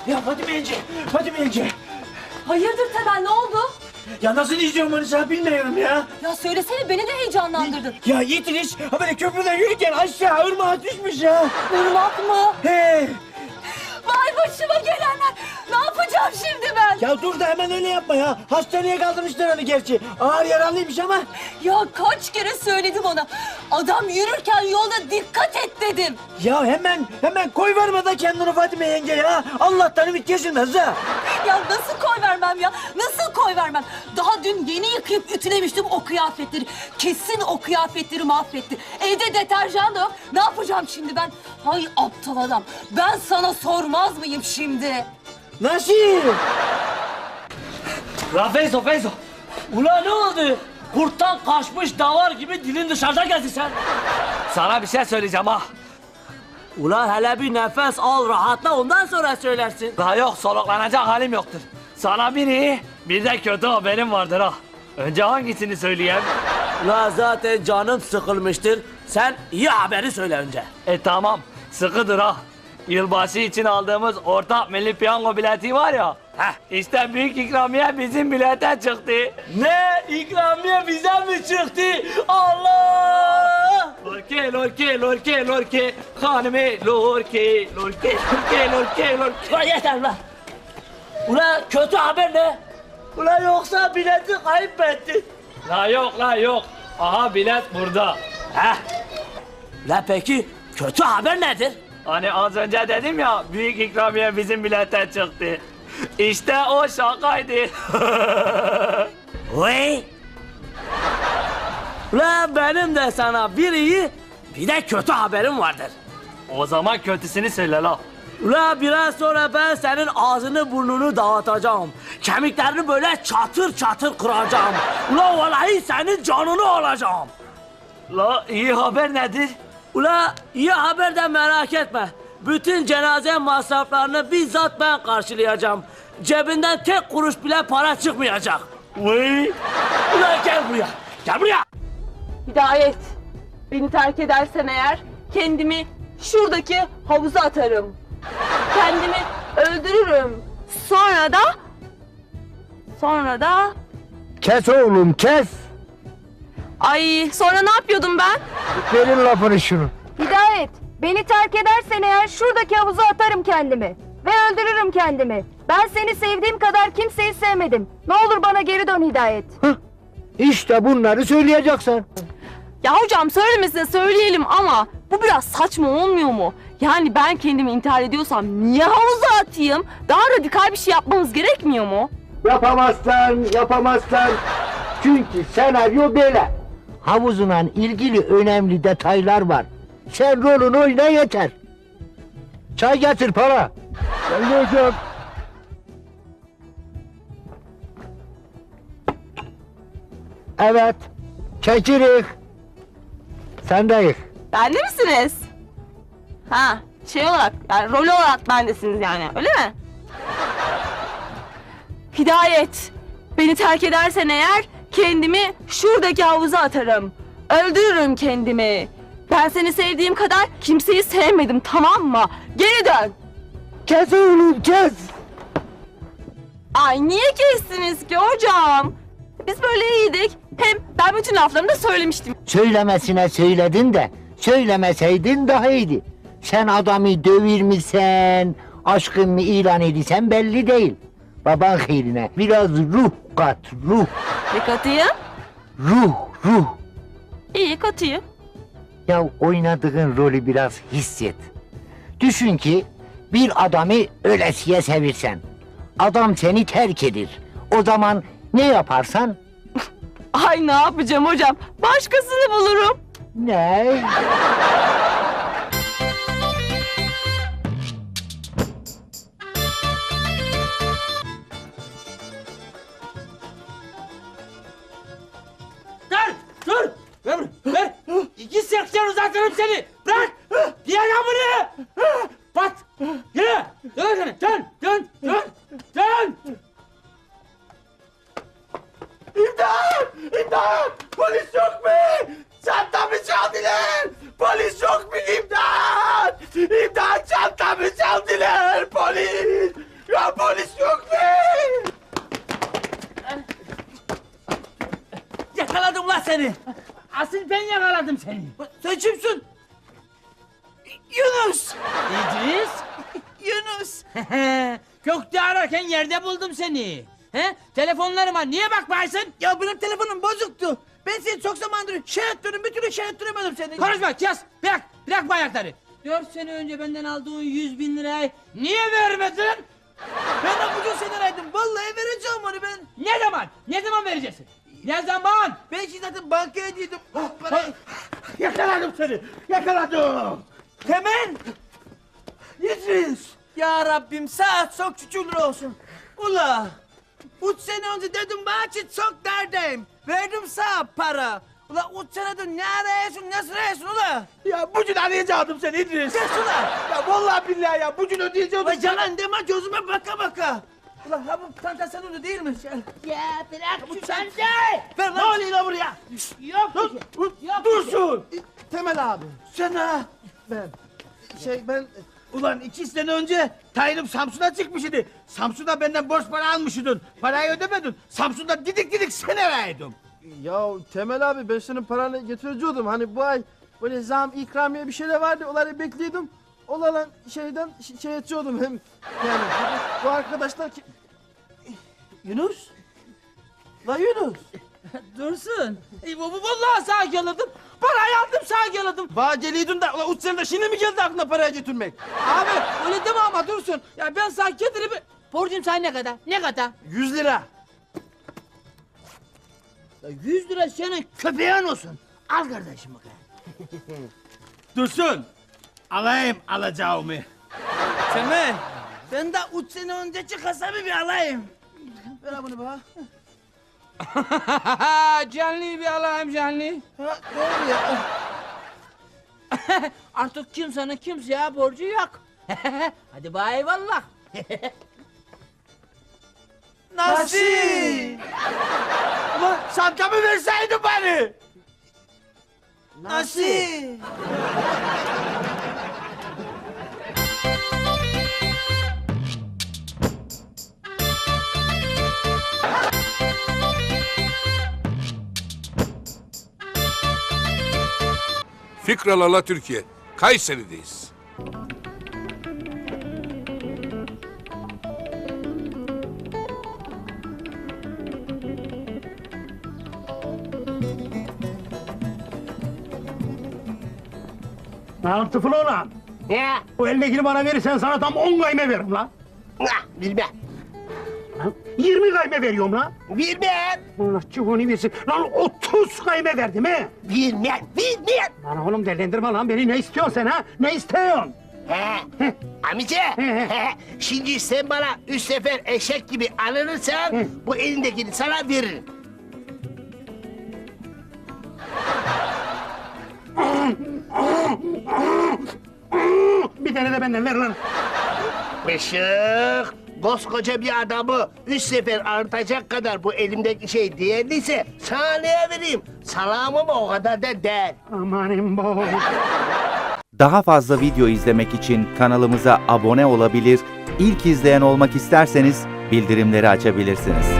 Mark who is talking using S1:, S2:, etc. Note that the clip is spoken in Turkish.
S1: Ya Fatime yenge, Fatime yenge.
S2: Hayırdır Temel, ne oldu?
S1: Ya nasıl izliyorum onu sana bilmiyorum ya.
S2: Ya söylesene, beni de heyecanlandırdın.
S1: Ya Yitiriş ha böyle köprüden yürürken aşağı ırmağa düşmüş ya.
S2: Irmak mı?
S1: He.
S2: Vay başıma gelenler. Ne yapacağım şimdi ben?
S1: Ya dur da hemen öyle yapma ya. Hastaneye kaldırmışlar onu gerçi. Ağır yaralıymış ama.
S2: Ya kaç kere söyledim ona. Adam yürürken yolda dikkat et dedim.
S1: Ya hemen koy verme da kendini Fatime yenge ya. Allah'tan ümit kesilmez ha.
S2: Ya nasıl koy vermem ya? Nasıl koy vermem? Daha dün yeni yıkayıp ütülemiştim o kıyafetleri. Kesin o kıyafetleri mahvetti. Evde deterjan da yok. Ne yapacağım şimdi ben? Hay aptal adam. Ben sana sormaz mıyım şimdi?
S1: Nasıl?
S3: La Feyzo, Feyzo. Ulan ne oldu? Kurttan kaçmış davar gibi dilin dışarıda geldi sen. Sana bir şey söyleyeceğim ha. Ulan hele bir nefes al, rahatla, ondan sonra söylersin. Daha yok, soluklanacak halim yoktur. Sana bir iyi, bir de kötü haberim vardır ha. Önce hangisini söyleyeyim? Ulan zaten canım sıkılmıştır. Sen iyi haberi söyle önce. Tamam, sıkıdır ha. Yılbaşı için aldığımız ortak milli piyango bileti var ya. İşte büyük ikramiye bizim bilete çıktı. Ne? İkramiye bize mi çıktı? Allah! Lorke, lorke, lorke, lorke. Hanime, lorke, lorke, lorke, lorke, lorke. Ulan yeter lan. Ulan kötü haber ne? Ulan yoksa bileti kaybetti. La yok, la yok. Aha bilet burada. La peki kötü haber nedir? Hani az önce dedim ya, büyük ikramiye bizim bilete çıktı. İşte o şakaydı. Vay! Ulan benim de sana bir iyi, bir de kötü haberim vardır. O zaman kötüsünü söyle la. Ulan biraz sonra ben senin ağzını burnunu dağıtacağım. Kemiklerini böyle çatır çatır kıracağım. Ulan vallahi senin canını alacağım. La iyi haber nedir? Ula iyi haber de merak etme. Bütün cenaze masraflarını bizzat ben karşılayacağım. Cebinden tek kuruş bile para çıkmayacak. Vay! Ula gel buraya. Gel buraya.
S4: Hidayet, beni terk edersen eğer kendimi şuradaki havuza atarım. Kendimi öldürürüm. Sonra da...
S5: Kes oğlum kes.
S4: Ay sonra ne yapıyordum ben?
S5: Verin lafını şunu.
S6: Hidayet, beni terk edersen eğer şuradaki havuza atarım kendimi. Ve öldürürüm kendimi. Ben seni sevdiğim kadar kimseyi sevmedim. Ne olur bana geri dön Hidayet.
S5: İşte bunları söyleyeceksin.
S4: Ya hocam söylemesine söyleyelim ama bu biraz saçma olmuyor mu? Yani ben kendimi intihar ediyorsam niye havuza atayım? Daha radikal bir şey yapmamız gerekmiyor mu?
S5: Yapamazsan. Çünkü senaryo böyle. Havuzunla ilgili önemli detaylar var. Sen rolünü oyna yeter. Çay getir para. Geldi hocam. Evet. Çekirik. Sendeyiz.
S4: Bende misiniz? Ha, şey olarak, yani rol olarak bendesiniz yani, öyle mi? Hidayet, beni terk edersen eğer kendimi şuradaki havuza atarım. Öldürürüm kendimi. Ben seni sevdiğim kadar kimseyi sevmedim, tamam mı? Geri dön.
S5: Kes oğlum kes.
S4: Ay niye kestiniz ki hocam? Biz böyle iyiydik. Hem ben bütün laflarımı da söylemiştim.
S5: Söylemesine söyledin de söylemeseydin daha iyiydi. Sen adamı dövürmüşsen, aşkın mı ilan ediysen belli değil. Baban hayrine biraz ruh kat, ruh.
S4: Ne katıyım?
S5: Ruh.
S4: İyi katıyım.
S5: Ya oynadığın rolü biraz hisset. Düşün ki bir adamı ölesiye sevirsen. Adam seni terk edir. O zaman ne yaparsan?
S4: Ay ne yapacağım hocam? Başkasını bulurum.
S5: Ne?
S3: Dur! Ver! 2.80 uzatırım seni! Bırak! Diğer bunu! Pat! Yürü! Dön!
S1: İmdat! Polis yok mu? Çantamı çaldılar! Polis yok mu? İmdat! Çantamı çaldılar! Polis!
S7: seni.
S1: Sen kimsin? Yunus.
S7: İdris.
S1: Yunus.
S7: Kökte ararken yerde buldum seni. He? Telefonlarıma niye bakmaysın?
S1: Ya benim telefonum bozuktu. Ben seni çok zamandır şey ettirdim, bir türlü şey ettiremedim seni.
S7: Konuşma kes. Bırak bu ayakları. 4 sene önce benden aldığın 100.000 lirayı niye vermedin?
S1: Ben abucu seni araydım. Vallahi vereceğim onu ben.
S7: Ne zaman? Ne zaman vereceksin? Ne zaman?
S1: Ben şimdi zaten bankaya gittim. Parayı...
S5: Yakaladım seni. Yakaladım.
S1: Temel! İdris! Ya Rabbim saat çok şükürler olsun. Ula! 3 sene önce dedim bana ki çok derdeyim. Verdim sana para. Ula 3 senedir ne arıyorsun, nasıl arıyorsun ula?
S5: Ya bugün arayacaktım seni İdris.
S1: Kes ula!
S5: Ya vallahi billahi ya bugün ödeyeceğim.
S1: Ula yalan deme gözüme baka baka. Ula ha bu çanta senin değil mi?
S7: Ya bırak şu çantayı.
S1: Ver lan!
S5: Ne oluyor lan buraya?
S7: Yok bir şey. Yok
S5: Dursun.
S1: Temel abi. Sen ha? Ben... Ulan 2 sene önce tayinim Samsun'a çıkmış idi. Samsun'da benden borç para almışydın. Parayı ödemedin. Samsun'da didik seni araydım.
S8: Ya Temel abi ben senin paranı getirecektim. Hani bu ay böyle zam ikramiye bir şeyler vardı. Onları bekliyordum. Olan şeyden şey ediyordum hem yani bu arkadaşlar ki...
S1: Yunus? La Yunus.
S7: Dursun. Vallahi sağ geladım. Parayı aldım sağ geladım.
S8: Bana geliydin de ulan 3 senede şimdi mi geldi aklına parayı götürmek?
S7: Abi öyle deme ama Dursun. Ya ben sana getirip... Borcum sana ne kadar? Ne kadar?
S8: 100 lira.
S7: Ya 100 lira senin köpeğin olsun. Al kardeşim bakalım.
S5: Dursun. Alayım alacağımı.
S1: Temel. Ben de 3 sene önceki kasabı bir alayım. Ver bunu bana.
S7: Canlı bir alayım canlı.
S1: Ha, doğru ya.
S7: Artık kimsenin kimseye borcu yok. Hadi bay eyvallah.
S1: Nasıl?
S5: Ulan çantamı verseydin bari.
S1: Nasıl?
S9: Fikralala Türkiye. Kayseri'deyiz.
S10: Lan tıfıl olan.
S5: Ne?
S10: Bu eldekini bana verirsen sana tam 10 kayme veririm lan.
S5: Bilmem.
S10: Lan 20 kayme veriyorum lan.
S5: Bilmem.
S10: Allah çubuğunu versin. Lan 30 kayme verdim he.
S5: Bilmem.
S10: Lan oğlum delendirme lan beni. Ne istiyorsun sen ha? Ne istiyorsun?
S5: He. Amice. Şimdi sen bana 3 sefer eşek gibi alınırsan bu elindekini sana veririm.
S10: Bir tane de benden ver lan.
S5: Işık. Koskoca bir adamı 3 sefer artacak kadar bu elimdeki şey değerliyse sana neye vereyim? Salamı mı o kadar da değil.
S10: Amanın bo.
S11: Daha fazla video izlemek için kanalımıza abone olabilir, ilk izleyen olmak isterseniz bildirimleri açabilirsiniz.